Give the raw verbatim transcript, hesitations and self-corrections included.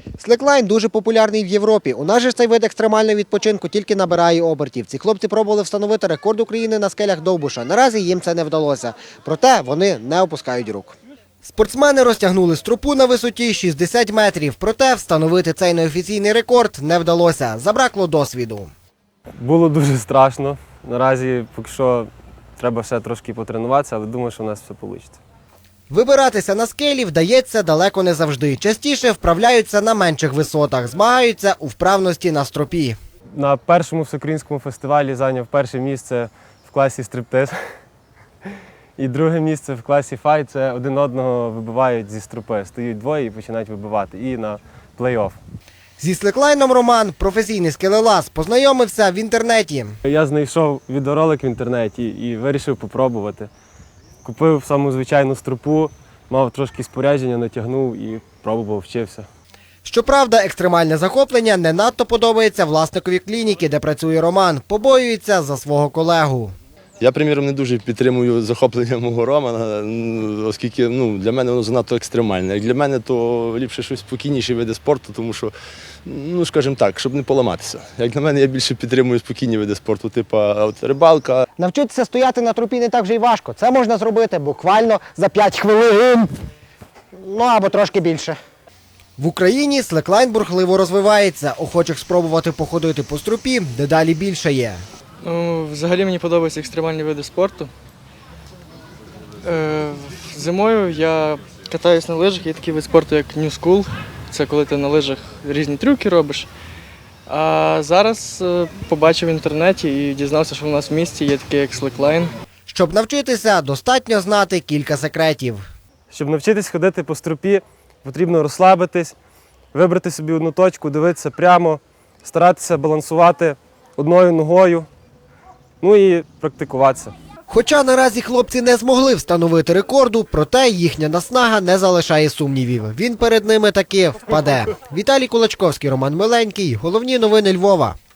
Слеклайн дуже популярний в Європі. У нас же цей вид екстремального відпочинку тільки набирає обертів. Ці хлопці пробували встановити рекорд України на скелях Довбуша. Наразі їм це не вдалося. Проте вони не опускають рук. Спортсмени розтягнули стропу на висоті шістдесят метрів. Проте встановити цей неофіційний рекорд не вдалося. Забракло досвіду. Було дуже страшно. Наразі поки що треба ще трошки потренуватися, але думаю, що в нас все вийде. Вибиратися на скелі вдається далеко не завжди. Частіше вправляються на менших висотах, змагаються у вправності на стропі. На першому всеукраїнському фестивалі зайняв перше місце в класі стриптиз. І друге місце в класі файт – це один одного вибивають зі стропи. Стають двоє і починають вибивати. І на плей-офф. Зі Слеклайном Роман, професійний скелелаз, познайомився в інтернеті. Я знайшов відеоролик в інтернеті і вирішив попробувати. Купив саму звичайну стропу, мав трошки спорядження, натягнув і пробував, вчився. Щоправда, екстремальне захоплення не надто подобається власникові клініки, де працює Роман. Побоюється за свого колегу. Я, приміром, не дуже підтримую захоплення мого Романа, оскільки ну, для мене воно занадто екстремальне. Як для мене, то ліпше щось спокійніші види спорту, тому що, ну, скажімо так, щоб не поламатися. Як на мене, я більше підтримую спокійні види спорту, типу от, рибалка. Навчитися стояти на тропі не так вже й важко. Це можна зробити буквально за п'ять хвилин. Ну, або трошки більше. В Україні слеклайн бурхливо розвивається. Охочих спробувати походити по стропі дедалі більше є. Ну, взагалі мені подобаються екстремальні види спорту. Е, зимою я катаюсь на лижах, є такий вид спорту, як New School. Це коли ти на лижах різні трюки робиш. А зараз е, побачив в інтернеті і дізнався, що в нас в місті є такий як слеклайн. Щоб навчитися, достатньо знати кілька секретів. Щоб навчитись ходити по стропі, потрібно розслабитись, вибрати собі одну точку, дивитися прямо, старатися балансувати одною ногою, ну і практикуватися. Хоча наразі хлопці не змогли встановити рекорду, проте їхня наснага не залишає сумнівів. Він перед ними таки впаде. Віталій Кулачковський, Роман Миленький. Головні новини Львова.